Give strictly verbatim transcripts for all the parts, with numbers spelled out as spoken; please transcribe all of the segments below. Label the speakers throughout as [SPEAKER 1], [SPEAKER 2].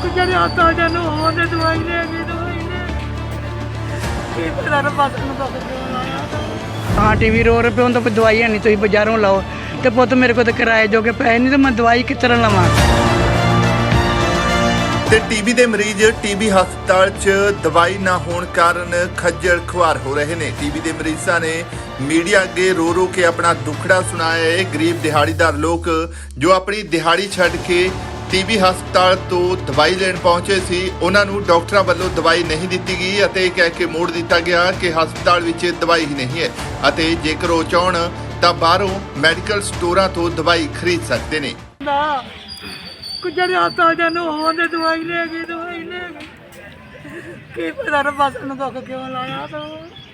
[SPEAKER 1] ਜਿਹੜੇ ਹਸਪਤਾਲ ਨੂੰ ਉਹਨੇ ਦਵਾਈ ਲੈ ਗਈ ਦਵਾਈ ਲੈ ਕੀ ਪਤਾ ਨਾ ਬਸ ਨੂੰ ਦੱਸ ਕਿਉਂ ਲਾਇਆ
[SPEAKER 2] हाँ टीवी रो रहे पे तो कोई दवाई है नहीं तुम बाजारों लाओ तो पुत मेरे को तो किराए जोगे पैसे नहीं तो मैं दवाई किस तरह लवां।
[SPEAKER 3] ਤੇ ਟੀਬੀ ਦੇ ਮਰੀਜ਼ ਟੀਬੀ ਹਸਪਤਾਲ 'ਚ ਦਵਾਈ ਨਾ ਹੋਣ ਕਾਰਨ ਖੱਜਲ ਖੁਆਰ ਹੋ ਰਹੇ ਨੇ। ਟੀਬੀ ਦੇ ਮਰੀਜ਼ਾਂ ਨੇ ਮੀਡੀਆ ਅੱਗੇ ਰੋ ਰੋ ਕੇ ਆਪਣਾ ਦੁੱਖੜਾ ਸੁਣਾਇਆ ਹੈ। ਗਰੀਬ ਦਿਹਾੜੀਦਾਰ ਲੋਕ ਜੋ ਆਪਣੀ ਦਿਹਾੜੀ ਛੱਡ ਕੇ ਟੀਬੀ ਹਸਪਤਾਲ ਤੋਂ ਦਵਾਈ ਲੈਣ ਪਹੁੰਚੇ ਸੀ, ਉਹਨਾਂ ਨੂੰ ਡਾਕਟਰਾਂ ਵੱਲੋਂ ਦਵਾਈ ਨਹੀਂ ਦਿੱਤੀ ਗਈ ਅਤੇ ਕਹਿ ਕੇ ਮੋੜ ਦਿੱਤਾ ਗਿਆ ਕਿ ਹਸਪਤਾਲ ਵਿੱਚ ਦਵਾਈ ਹੀ ਨਹੀਂ ਹੈ ਅਤੇ ਜੇਕਰ ਉਹ ਚਾਹਣ ਤਾਂ ਬਾਹਰੋਂ ਮੈਡੀਕਲ ਸਟੋਰਾਂ ਤੋਂ ਦਵਾਈ ਖਰੀਦ ਸਕਦੇ ਨੇ।
[SPEAKER 1] ਨਾ ਜਿਹੜੇ ਹਸਪਤਾਲ ਨੂੰ ਉਹਨੇ ਦਵਾਈ ਲੈ ਗਈ ਦਵਾਈ ਲੈ ਗਈ ਕੀ ਪਤਾ ਨਾ ਬਸ ਨੂੰ ਦੁੱਖ ਕਿਉਂ ਲਾਇਆ ਤੂੰ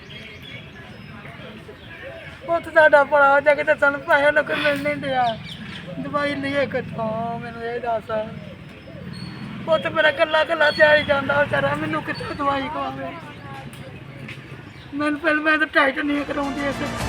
[SPEAKER 1] ਪੁੱਤ ਸਾਡਾ ਭਰਾ ਜਾ ਕੇ ਤੇ ਸਾਨੂੰ ਪੈਸੇ ਨਾ ਕੋਈ ਮਿਲ ਨਹੀਂ ਦਿਆ ਦਵਾਈ ਲਈਏ ਕਿੱਥੋਂ ਮੈਨੂੰ ਇਹ ਦੱਸ ਪੁੱਤ ਮੇਰਾ ਕੱਲਾ ਕੱਲਾ ਦਿਹਾੜੀ ਜਾਂਦਾ ਵਿਚਾਰਾ ਮੈਨੂੰ ਕਿੱਥੋਂ ਦਵਾਈ ਖਵਾਵੇ ਮੈਨੂੰ ਪਹਿਲਾਂ ਮੈਂ ਤਾਂ ਟਾਈਟ ਨਹੀਂ ਕਰਾਉਂਦੀ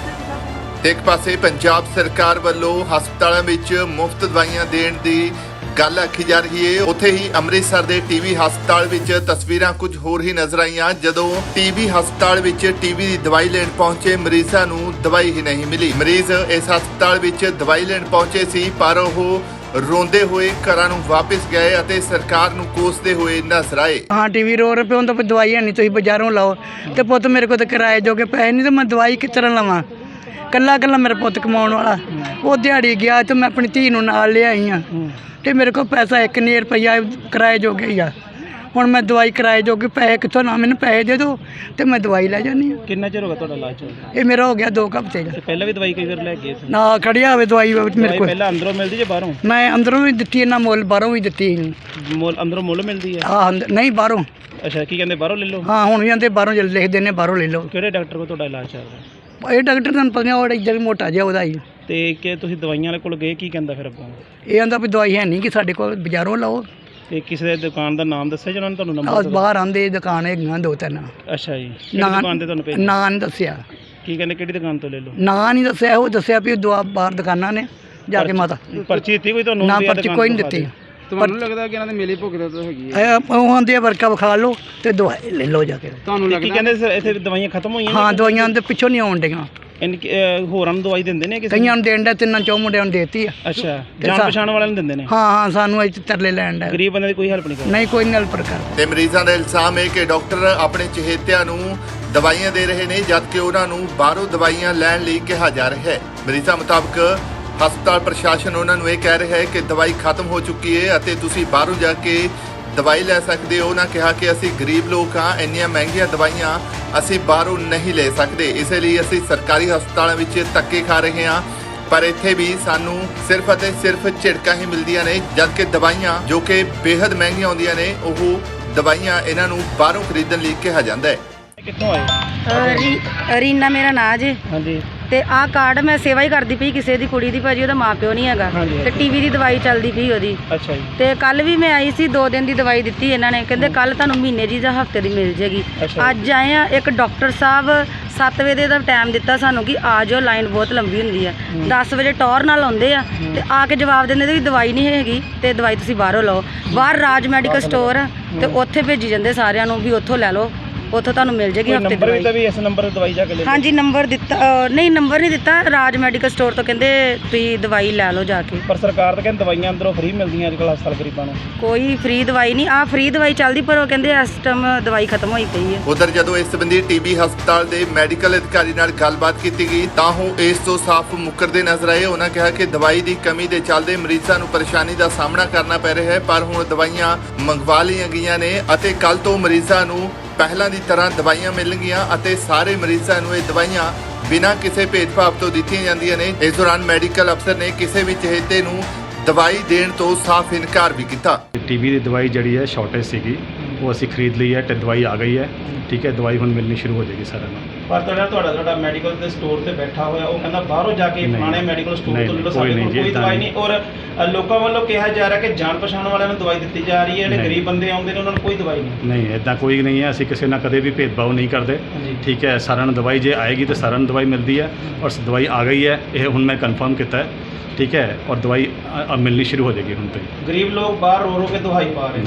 [SPEAKER 1] ਇਸ
[SPEAKER 3] ਇੱਕ ਪਾਸੇ ਪੰਜਾਬ ਸਰਕਾਰ ਵੱਲੋਂ ਹਸਪਤਾਲਾਂ ਵਿੱਚ ਮੁਫਤ ਦਵਾਈਆਂ ਦੇਣ ਦੀ ਗੱਲ ਆਖੀ ਜਾ ਰਹੀ ਹੈ, ਉੱਥੇ ਹੀ ਅੰਮ੍ਰਿਤਸਰ ਦੇ ਟੀਬੀ ਹਸਪਤਾਲ ਵਿੱਚ ਤਸਵੀਰਾਂ ਕੁਝ ਹੋਰ ਹੀ ਨਜ਼ਰ ਆਈਆਂ ਜਦੋਂ ਟੀਬੀ ਹਸਪਤਾਲ ਵਿੱਚ ਟੀਬੀ ਦੀ ਦਵਾਈ ਲੈਣ ਪਹੁੰਚੇ ਮਰੀਜ਼ਾਂ ਨੂੰ ਦਵਾਈ ਹੀ ਨਹੀਂ ਮਿਲੀ। ਮਰੀਜ਼ ਇਸ ਹਸਪਤਾਲ ਵਿੱਚ ਦਵਾਈ ਲੈਣ ਪਹੁੰਚੇ ਸੀ ਪਰ ਉਹ ਰੋਂਦੇ ਹੋਏ ਘਰਾਂ ਨੂੰ ਵਾਪਸ ਗਏ ਅਤੇ ਸਰਕਾਰ ਨੂੰ ਕੋਸਦੇ ਹੋਏ ਨਜ਼ਰ ਆਏ।
[SPEAKER 2] हाँ टीवी रो रहे पे तो कोई दवाई है नहीं तुम बाजारों लाओ तो पुत मेरे को तो किराए जोगे पैसे नहीं तो मैं दवाई किस तरह लवां। कल्ला कल्ला मेरा पुत कमाने वाला वो दिहाड़ी गया तो मैं अपनी धी नूं नाल ले आई हाँ ਤੇ ਮੇਰੇ ਕੋਲ ਪੈਸਾ ਇੱਕ ਨਹੀਂ ਰੁਪਈਆ ਕਿਰਾਏ ਜੋਗੇ ਹੀ ਆ। ਹੁਣ ਮੈਂ ਦਵਾਈ ਕਿਰਾਏ ਜੋਗੇ ਪੈਸੇ ਕਿੱਥੋਂ ਨਾ ਮੈਨੂੰ ਪੈਸੇ ਦੇ ਦਿਓ ਤੇ ਮੈਂ ਦਵਾਈ ਲੈ ਜਾਂਦੀ ਹਾਂ।
[SPEAKER 4] ਕਿੰਨਾ ਚਿਰ ਹੋ ਗਿਆ ਤੁਹਾਡਾ ਇਲਾਜ ਚੱਲਦਾ?
[SPEAKER 2] ਇਹ ਮੇਰਾ ਹੋ ਗਿਆ ਦੋ ਕੁ ਹਫ਼ਤੇ ਦਾ।
[SPEAKER 4] ਪਹਿਲਾਂ ਵੀ ਦਵਾਈ ਕਈ ਵਾਰ ਲੈ ਗਏ ਸੀ?
[SPEAKER 2] ਨਾ ਖੜਿਆ ਹੋਵੇ ਦਵਾਈ ਮੇਰੇ ਕੋਲ
[SPEAKER 4] ਪਹਿਲਾਂ ਅੰਦਰੋਂ ਮਿਲਦੀ ਜਾਂ ਬਾਹਰੋਂ?
[SPEAKER 2] ਮੈਂ ਅੰਦਰੋਂ ਵੀ ਦਿੱਤੀ ਇਹਨਾਂ ਮੁੱਲ ਬਾਹਰੋਂ ਵੀ ਦਿੱਤੀ
[SPEAKER 4] ਮੁੱਲ ਅੰਦਰੋਂ ਮੁੱਲ ਮਿਲਦੀ ਹੈ?
[SPEAKER 2] ਹਾਂ ਨਹੀਂ ਬਾਹਰੋਂ।
[SPEAKER 4] ਅੱਛਾ ਕੀ ਕਹਿੰਦੇ ਬਾਹਰੋਂ ਲੈ ਲਓ?
[SPEAKER 2] ਹਾਂ ਹੁਣ ਵੀ ਆਂਦੇ ਬਾਹਰੋਂ ਜੇ ਲਿਖਦੇ ਨੇ ਬਾਹਰੋਂ ਲੈ ਲਓ।
[SPEAKER 4] ਕਿਹੜੇ ਡਾਕਟਰ ਕੋਲ ਤੁਹਾਡਾ ਇਲਾਜ ਚੱਲ ਰਿਹਾ?
[SPEAKER 2] ਇਹ ਡਾਕਟਰ ਤੁਹਾਨੂੰ ਪਤਾ ਉਹ ਇੱਧਰ ਮੋਟਾ ਜਿਹਾ ਉਹਦਾ ਹੀ।
[SPEAKER 4] ਤੇ ਕਿ ਤੁਸੀਂ ਦਵਾਈਆਂ ਵਾਲੇ ਕੋਲ ਗਏ, ਕੀ ਕਹਿੰਦਾ ਫਿਰ ਅੱਗੋਂ?
[SPEAKER 2] ਇਹ ਆਂਦਾ ਵੀ ਦਵਾਈ ਹੈ ਨਹੀਂ ਕਿ ਸਾਡੇ ਕੋਲ ਬਾਜ਼ਾਰੋਂ ਲਾਓ।
[SPEAKER 4] ਤੇ ਕਿਸੇ ਦੇ ਦੁਕਾਨ ਦਾ ਨਾਮ ਦੱਸਿਆ ਜਿਹਨਾਂ ਨੇ ਤੁਹਾਨੂੰ
[SPEAKER 2] ਆਹ
[SPEAKER 4] ਨੰਬਰ?
[SPEAKER 2] ਬਾਹਰ ਆਂਦੇ ਦੁਕਾਨ ਹੈਗੀਆਂ ਦੋ ਤਿੰਨ।
[SPEAKER 4] ਅੱਛਾ ਜੀ, ਕਿਹੜੀ ਦੁਕਾਨ ਤੇ ਤੁਹਾਨੂੰ ਭੇਜ?
[SPEAKER 2] ਨਾਂ ਨਹੀਂ ਦੱਸਿਆ।
[SPEAKER 4] ਕੀ ਕਹਿੰਦੇ ਕਿਹੜੀ ਦੁਕਾਨ ਤੋਂ ਲੈ ਲਓ?
[SPEAKER 2] ਨਾਂ ਨਹੀਂ ਦੱਸਿਆ, ਉਹ ਦੱਸਿਆ ਵੀ ਦੁਆ ਬਾਹਰ ਦੁਕਾਨਾਂ ਨੇ ਜਾ ਕੇ ਮਾਤਾ
[SPEAKER 4] ਪਰਚੀ ਦਿੱਤੀ ਕੋਈ ਤੁਹਾਨੂੰ?
[SPEAKER 2] ਨਾ ਪਰਚੀ ਕੋਈ ਨਹੀਂ ਦਿੱਤੀ।
[SPEAKER 4] ਤੁਹਾਨੂੰ ਲੱਗਦਾ ਕਿ ਇਹਨਾਂ ਦੇ ਮੇਲੇ ਭੁਗਤ ਤਾਂ ਹੈਗੀ
[SPEAKER 2] ਹੈ ਉਹ ਆਂਦੇ ਵਰਕਾ ਵਿਖਾ ਲਓ ਤੇ ਦਵਾਈ ਲੈ ਲਓ ਜਾ ਕੇ।
[SPEAKER 4] ਤੁਹਾਨੂੰ ਲੱਗਦਾ? ਕੀ ਕਹਿੰਦੇ ਸਰ ਇੱਥੇ ਦਵਾਈਆਂ ਖਤਮ ਹੋਈਆਂ?
[SPEAKER 2] ਹਾਂ ਦਵਾਈਆਂ ਦੇ ਪਿੱਛੋਂ ਨਹੀਂ ਆਉਣ ਡੀਆਂ।
[SPEAKER 4] ਇਨ ਹੋਰਾਂ ਨੂੰ ਦਵਾਈ ਦਿੰਦੇ ਨੇ ਕਿਸੇ?
[SPEAKER 2] ਕਈਆਂ ਨੂੰ ਦੇਣ ਦਾ ਤਿੰਨਾਂ ਚੌ ਮੁੰਡਿਆਂ ਨੂੰ ਦੇਤੀ ਆ।
[SPEAKER 4] ਅੱਛਾ ਜਾਣ ਪਛਾਣ ਵਾਲਿਆਂ ਨੂੰ ਦਿੰਦੇ ਨੇ?
[SPEAKER 2] ਹਾਂ ਹਾਂ ਸਾਨੂੰ ਇੱਥੇ ਤਰਲੇ ਲੈਣ ਦਾ
[SPEAKER 4] ਗਰੀਬ ਬੰਦੇ ਦੀ ਕੋਈ ਹੈਲਪ ਨਹੀਂ ਕਰਦੇ?
[SPEAKER 2] ਨਹੀਂ ਕੋਈ ਨਹੀਂ ਪ੍ਰਕਾਰ।
[SPEAKER 3] ਤੇ ਮਰੀਜ਼ਾਂ ਦਾ ਇਲਜ਼ਾਮ ਹੈ ਕਿ ਡਾਕਟਰ ਆਪਣੇ ਚਹੇਤਿਆਂ ਨੂੰ ਦਵਾਈਆਂ ਦੇ ਰਹੇ ਨੇ ਜਦਕਿ ਉਹਨਾਂ ਨੂੰ ਬਾਹਰੋਂ ਦਵਾਈਆਂ ਲੈਣ ਲਈ ਕਿਹਾ ਜਾ ਰਿਹਾ ਹੈ। ਮਰੀਜ਼ਾਂ ਮੁਤਾਬਕ ਹਸਪਤਾਲ ਪ੍ਰਸ਼ਾਸਨ ਉਹਨਾਂ ਨੂੰ ਇਹ ਕਹਿ ਰਿਹਾ ਹੈ ਕਿ ਦਵਾਈ ਖਤਮ ਹੋ ਚੁੱਕੀ ਹੈ ਅਤੇ ਤੁਸੀਂ ਬਾਹਰੋਂ ਜਾ ਕੇ ਦਵਾਈ ਲੈ ਸਕਦੇ ਹੋ। ਉਹਨਾਂ ਕਿਹਾ ਕਿ ਅਸੀਂ ਗਰੀਬ ਲੋਕ ਹਾਂ, ਇੰਨੀਆਂ ਮਹਿੰਗੀਆਂ ਦਵਾਈਆਂ ਅਸੀਂ ਬਾਹਰੋਂ ਨਹੀਂ ਲੈ ਸਕਦੇ, ਇਸ ਲਈ ਅਸੀਂ ਸਰਕਾਰੀ ਹਸਪਤਾਲਾਂ ਵਿੱਚ ਧੱਕੇ ਖਾ ਰਹੇ ਹਾਂ ਪਰ ਇੱਥੇ ਵੀ ਸਾਨੂੰ ਸਿਰਫ ਅਤੇ ਸਿਰਫ ਝਿੜਕਾਂ ਹੀ ਮਿਲਦੀਆਂ ਨੇ ਜਦਕਿ ਦਵਾਈਆਂ ਜੋ ਕਿ ਬੇहद ਮਹਿੰਗੀਆਂ ਹੁੰਦੀਆਂ ਨੇ ਉਹ ਦਵਾਈਆਂ ਇਹਨਾਂ ਨੂੰ ਬਾਹਰੋਂ ਖਰੀਦਣ ਲਈ ਕਿਹਾ ਜਾਂਦਾ ਹੈ।
[SPEAKER 4] ਕਿੱਥੋਂ ਆਏ?
[SPEAKER 5] ਰੀ ਰੀਨਾ ਮੇਰਾ ਨਾਂ ਜੀ।
[SPEAKER 4] ਹਾਂਜੀ।
[SPEAKER 5] ਤੇ ਆਹ ਕਾਰਡ ਮੈਂ ਸੇਵਾ ਹੀ ਕਰਦੀ ਪਈ ਕਿਸੇ ਦੀ ਕੁੜੀ ਦੀ, ਭਾਜੀ ਉਹਦਾ ਮਾਂ ਪਿਓ ਨਹੀਂ ਹੈਗਾ ਤੇ ਟੀਵੀ ਦੀ ਦਵਾਈ ਚੱਲਦੀ ਪਈ ਉਹਦੀ।
[SPEAKER 4] ਅੱਛਾ ਜੀ।
[SPEAKER 5] ਤੇ ਕੱਲ ਵੀ ਮੈਂ ਆਈ ਸੀ, ਦੋ ਦਿਨ ਦੀ ਦਵਾਈ ਦਿੱਤੀ ਇਹਨਾਂ ਨੇ, ਕਹਿੰਦੇ ਕੱਲ ਤੁਹਾਨੂੰ ਮਹੀਨੇ ਦੀ ਜਾਂ ਹਫਤੇ ਦੀ ਮਿਲ ਜੇਗੀ। ਅੱਜ ਆਏ ਆ, ਇੱਕ ਡਾਕਟਰ ਸਾਹਿਬ ਸੱਤ ਵਜੇ ਦਾ ਟਾਈਮ ਦਿੱਤਾ ਸਾਨੂੰ ਕਿ ਆ ਜਾਓ, ਲਾਈਨ ਬਹੁਤ ਲੰਬੀ ਹੁੰਦੀ ਆ। ਦਸ ਵਜੇ ਟੌਰ ਨਾਲ ਆਉਂਦੇ ਆ ਤੇ ਆ ਕੇ ਜਵਾਬ ਦਿੰਦੇ ਵੀ ਦਵਾਈ ਨਹੀਂ ਹੈਗੀ ਤੇ ਦਵਾਈ ਤੁਸੀਂ ਬਾਹਰੋਂ ਲਓ। ਬਾਹਰ ਰਾਜ ਮੈਡੀਕਲ ਸਟੋਰ ਆ ਤੇ ਉੱਥੇ ਭੇਜੀ ਜਾਂਦੇ ਸਾਰਿਆਂ ਨੂੰ ਵੀ ਉੱਥੋਂ ਲੈ ਲਓ, ਉੱਥੋਂ ਤੁਹਾਨੂੰ ਮਿਲ ਜੇਗੀ ਹਫਤੇ ਦੀ
[SPEAKER 4] ਨੰਬਰ ਵੀ ਤਾਂ
[SPEAKER 5] ਦਵਾਈ।
[SPEAKER 4] ਵੀ ਇਸ ਨੰਬਰ ਤੇ ਦਵਾਈ ਜਾ ਕੇ ਲੈ ਲਓ?
[SPEAKER 5] ਹਾਂਜੀ ਨੰਬਰ ਦਿੱਤਾ, ਅ, ਨਹੀਂ ਨੰਬਰ ਨਹੀਂ ਦਿੱਤਾ, ਰਾਜ ਮੈਡੀਕਲ ਸਟੋਰ ਤੋਂ ਕਹਿੰਦੇ ਤੁਸੀਂ ਦਵਾਈ ਲੈ ਲਓ ਜਾ ਕੇ।
[SPEAKER 4] ਪਰ ਸਰਕਾਰ ਤਾਂ ਕਹਿੰਦੀ ਦਵਾਈਆਂ ਅੰਦਰੋਂ ਫ੍ਰੀ ਮਿਲਦੀਆਂ ਅੱਜ ਕੱਲ੍ਹ ਹਸਪਤਾਲ ਗਰੀਬਾਂ ਨੂੰ।
[SPEAKER 5] ਕੋਈ ਫ੍ਰੀ ਦਵਾਈ ਨਹੀਂ, ਆ ਫ੍ਰੀ ਦਵਾਈ ਚੱਲਦੀ ਪਰ ਉਹ ਕਹਿੰਦੇ ਇਸ ਟਾਈਮ ਦਵਾਈ ਖਤਮ ਹੋਈ ਪਈ ਹੈ।
[SPEAKER 3] ਉਧਰ ਜਦੋਂ ਇਸ ਸੰਬੰਧੀ ਟੀਬੀ ਹਸਪਤਾਲ ਦੇ ਮੈਡੀਕਲ ਅਧਿਕਾਰੀ ਨਾਲ ਗੱਲਬਾਤ ਕੀਤੀ ਗਈ ਤਾਂ ਉਹ ਇਸ ਤੋਂ ਸਾਫ਼ ਮੁੱਕਰਦੇ ਨਜ਼ਰ ਆਏ। ਉਹਨਾਂ ਕਿਹਾ ਕਿ ਦਵਾਈ ਦੀ ਕਮੀ ਦੇ ਚੱਲਦੇ ਮਰੀਜ਼ਾਂ ਨੂੰ ਪਰੇਸ਼ਾਨੀ ਦਾ ਸਾਹਮਣਾ ਕਰਨਾ ਪੈ ਰਿਹਾ ਹੈ ਪਰ ਹੁਣ ਦਵਾਈਆਂ ਮੰਗਵਾ ਲਈਆਂ ਗਈਆਂ ਨੇ ਅਤੇ ਕੱਲ ਤੋਂ ਮਰੀਜ਼ਾਂ ਨੂੰ ਪਹਿਲਾਂ ਦੀ ਤਰ੍ਹਾਂ ਦਵਾਈਆਂ ਮਿਲਣਗੀਆਂ ਅਤੇ ਸਾਰੇ ਮਰੀਜ਼ਾਂ ਨੂੰ ਇਹ ਦਵਾਈਆਂ ਬਿਨਾਂ ਕਿਸੇ ਭੇਦਭਾਵ ਤੋਂ ਦਿੱਤੀਆਂ ਜਾਂਦੀਆਂ ਨੇ। ਇਸ ਦੌਰਾਨ ਮੈਡੀਕਲ ਅਫਸਰ ਨੇ ਕਿਸੇ ਵੀ ਚਹੇਤੇ ਨੂੰ ਦਵਾਈ ਦੇਣ ਤੋਂ ਸਾਫ਼ ਇਨਕਾਰ ਵੀ ਕੀਤਾ।
[SPEAKER 6] ਟੀਬੀ ਦੀ ਦਵਾਈ ਜਿਹੜੀ ਹੈ ਸ਼ਾਰਟੇਜ ਸੀਗੀ ਉਹ ਅਸੀਂ ਖਰੀਦ ਲਈ ਹੈ ਤੇ ਦਵਾਈ ਆ ਗਈ ਹੈ। ਠੀਕ ਹੈ, ਦਵਾਈ ਹੁਣ ਮਿਲਣੀ ਸ਼ੁਰੂ ਹੋ ਜਾਏਗੀ ਸਾਰਿਆਂ ਨੂੰ।
[SPEAKER 4] ਪਰ ਤੁਹਾਡਾ ਤੁਹਾਡਾ ਤੁਹਾਡਾ ਮੈਡੀਕਲ ਦੇ ਸਟੋਰ ਤੇ ਬੈਠਾ ਹੋਇਆ ਉਹ ਕਹਿੰਦਾ ਬਾਹਰੋਂ ਜਾ ਕੇ ਫਲਾਣੇ ਮੈਡੀਕਲ ਸਟੋਰ ਤੋਂ ਲੈ ਲਓ, ਸਾਡੇ ਕੋਲ ਕੋਈ ਦਵਾਈ ਨਹੀਂ। ਔਰ ਲੋਕਾਂ ਵੱਲੋਂ ਕਿਹਾ ਜਾ ਰਿਹਾ ਕਿ ਜਾਣ ਪਛਾਣ ਵਾਲਿਆਂ ਨੂੰ ਦਵਾਈ ਦਿੱਤੀ ਜਾ ਰਹੀ ਹੈ, ਜਿਹੜੇ ਗਰੀਬ ਬੰਦੇ ਆਉਂਦੇ ਨੇ ਉਹਨਾਂ ਨੂੰ ਕੋਈ ਦਵਾਈ ਨਹੀਂ।
[SPEAKER 6] ਨਹੀਂ ਇੱਦਾਂ ਕੋਈ ਨਹੀਂ ਹੈ, ਅਸੀਂ ਕਿਸੇ ਨਾਲ ਕਦੇ ਵੀ ਭੇਦਭਾਵ ਨਹੀਂ ਕਰਦੇ। ਠੀਕ ਹੈ, ਸਾਰਿਆਂ ਨੂੰ ਦਵਾਈ ਜੇ ਆਏਗੀ ਤਾਂ ਸਾਰਿਆਂ ਨੂੰ ਦਵਾਈ ਮਿਲਦੀ ਹੈ ਔਰ ਦਵਾਈ ਆ ਗਈ ਹੈ, ਇਹ ਹੁਣ ਮੈਂ ਕਨਫਰਮ ਕੀਤਾ ਹੈ। ਠੀਕ ਹੈ, ਔਰ ਦਵਾਈ ਮਿਲਣੀ ਸ਼ੁਰੂ ਹੋ ਜਾਏਗੀ ਹੁਣ ਤੋਂ।
[SPEAKER 4] ਗਰੀਬ ਲੋਕ ਬਾਹਰ ਰੋ ਰੋ ਕੇ ਦਵਾਈ ਪਾ ਰਹੇ ਨੇ।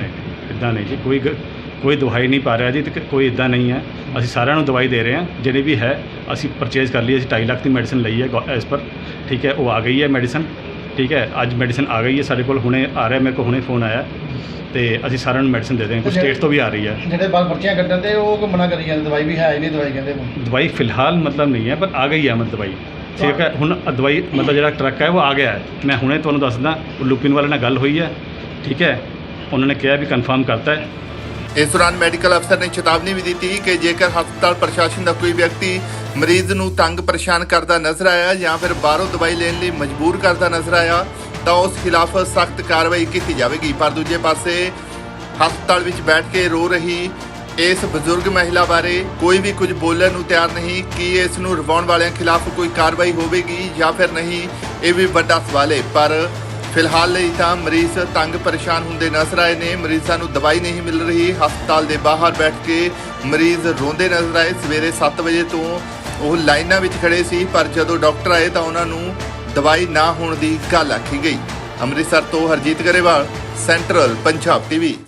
[SPEAKER 6] ਇੱਦਾਂ ਨਹੀਂ ਜੀ, ਕੋਈ ਗ- ਕੋਈ ਦਵਾਈ ਨਹੀਂ ਪਾ ਰਿਹਾ ਜੀ, ਤੇ ਕੋਈ ਇੱਦਾਂ ਨਹੀਂ ਹੈ। ਅਸੀਂ ਸਾਰਿਆਂ ਨੂੰ ਦਵਾਈ ਦੇ ਰਹੇ ਹਾਂ, ਜਿਹੜੇ ਵੀ ਹੈ ਅਸੀਂ ਪਰਚੇਜ਼ ਕਰ ਲਈ। ਅਸੀਂ ਢਾਈ ਲੱਖ ਦੀ ਮੈਡੀਸਨ ਲਈ ਹੈ ਐਸ ਪਰ, ਠੀਕ ਹੈ, ਉਹ ਆ ਗਈ ਹੈ ਮੈਡੀਸਨ, ਠੀਕ ਹੈ। ਅੱਜ ਮੈਡੀਸਨ ਆ ਗਈ ਹੈ ਸਾਡੇ ਕੋਲ, ਹੁਣੇ ਆ ਰਿਹਾ, ਮੇਰੇ ਕੋਲ ਹੁਣੇ ਫੋਨ ਆਇਆ, ਤੇ ਅਸੀਂ ਸਾਰਿਆਂ ਨੂੰ ਮੈਡੀਸਨ ਦੇ ਦੇਵਾਂਗੇ। ਕੁਝ ਸਟੇਟ ਤੋਂ ਵੀ ਆ ਰਹੀ ਹੈ।
[SPEAKER 7] ਜਿਹੜੇ ਬਾਅਦ ਪਰਚੀਆਂ ਕੱਢਣ ਤੇ ਉਹ ਕੋਈ ਮਨਾ ਕਰੀ ਜਾਂਦੇ, ਦਵਾਈ ਵੀ ਹੈ ਹੀ ਨਹੀਂ, ਦਵਾਈ ਕਹਿੰਦੇ
[SPEAKER 6] ਦਵਾਈ ਫਿਲਹਾਲ ਮਤਲਬ ਨਹੀਂ ਹੈ, ਪਰ ਆ ਗਈ ਹੈ ਮਤਲਬ ਦਵਾਈ, ਠੀਕ ਹੈ। ਹੁਣ ਦਵਾਈ ਮਤਲਬ ਜਿਹੜਾ ਟਰੱਕ ਹੈ ਉਹ ਆ ਗਿਆ ਹੈ। ਮੈਂ ਹੁਣੇ ਤੁਹਾਨੂੰ ਦੱਸਦਾ, ਲੁਪਿਨ ਵਾਲੇ ਨਾਲ ਗੱਲ ਹੋਈ ਹੈ, ਠੀਕ ਹੈ, ਉਹਨਾਂ ਨੇ ਕਿਹਾ ਵੀ ਕਨਫਰਮ ਕਰਤਾ ਹੈ।
[SPEAKER 3] ਇਸ ਦੌਰਾਨ ਮੈਡੀਕਲ ਅਫਸਰ ਨੇ ਚੇਤਾਵਨੀ ਵੀ ਦਿੱਤੀ ਕਿ ਜੇਕਰ ਹਸਪਤਾਲ ਪ੍ਰਸ਼ਾਸਨ ਦਾ ਕੋਈ ਵਿਅਕਤੀ ਮਰੀਜ਼ ਨੂੰ ਤੰਗ ਪਰੇਸ਼ਾਨ ਕਰਦਾ ਨਜ਼ਰ ਆਇਆ ਜਾਂ ਫਿਰ ਬਾਹਰੋਂ ਦਵਾਈ ਲੈਣ ਲਈ ਮਜਬੂਰ ਕਰਦਾ ਨਜ਼ਰ ਆਇਆ ਤਾਂ ਉਸ ਖਿਲਾਫ ਸਖਤ ਕਾਰਵਾਈ ਕੀਤੀ ਜਾਵੇਗੀ। ਪਰ ਦੂਜੇ ਪਾਸੇ ਹਸਪਤਾਲ ਵਿੱਚ ਬੈਠ ਕੇ ਰੋ ਰਹੀ ਇਸ ਬਜ਼ੁਰਗ ਮਹਿਲਾ ਬਾਰੇ ਕੋਈ ਵੀ ਕੁਝ ਬੋਲਣ ਨੂੰ ਤਿਆਰ ਨਹੀਂ ਕਿ ਇਸ ਨੂੰ ਰਵਾਉਣ ਵਾਲਿਆਂ ਖਿਲਾਫ ਕੋਈ ਕਾਰਵਾਈ ਹੋਵੇਗੀ ਜਾਂ ਫਿਰ ਨਹੀਂ, ਇਹ ਵੀ ਵੱਡਾ ਸਵਾਲ ਹੈ। ਪਰ ਫਿਲਹਾਲ ਲਈ ਤਾਂ ਮਰੀਜ਼ ਤੰਗ ਪਰੇਸ਼ਾਨ ਹੁੰਦੇ ਨਜ਼ਰ ਆਏ ਨੇ। ਮਰੀਜ਼ਾਂ ਨੂੰ ਦਵਾਈ ਨਹੀਂ ਮਿਲ ਰਹੀ, ਹਸਪਤਾਲ ਦੇ ਬਾਹਰ ਬੈਠ ਕੇ ਮਰੀਜ਼ ਰੋਂਦੇ ਨਜ਼ਰ ਆਏ। ਸਵੇਰੇ ਸੱਤ ਵਜੇ ਤੋਂ ਉਹ ਲਾਈਨਾਂ ਵਿੱਚ ਖੜੇ ਸੀ, ਪਰ ਜਦੋਂ ਡਾਕਟਰ ਆਏ ਤਾਂ ਉਹਨਾਂ ਨੂੰ ਦਵਾਈ ਨਾ ਹੋਣ ਦੀ ਗੱਲ ਆਖੀ ਗਈ। ਅੰਮ੍ਰਿਤਸਰ ਤੋਂ ਹਰਜੀਤ ਗਰੇਵਾਲ, ਸੈਂਟਰਲ ਪੰਜਾਬ ਟੀਵੀ।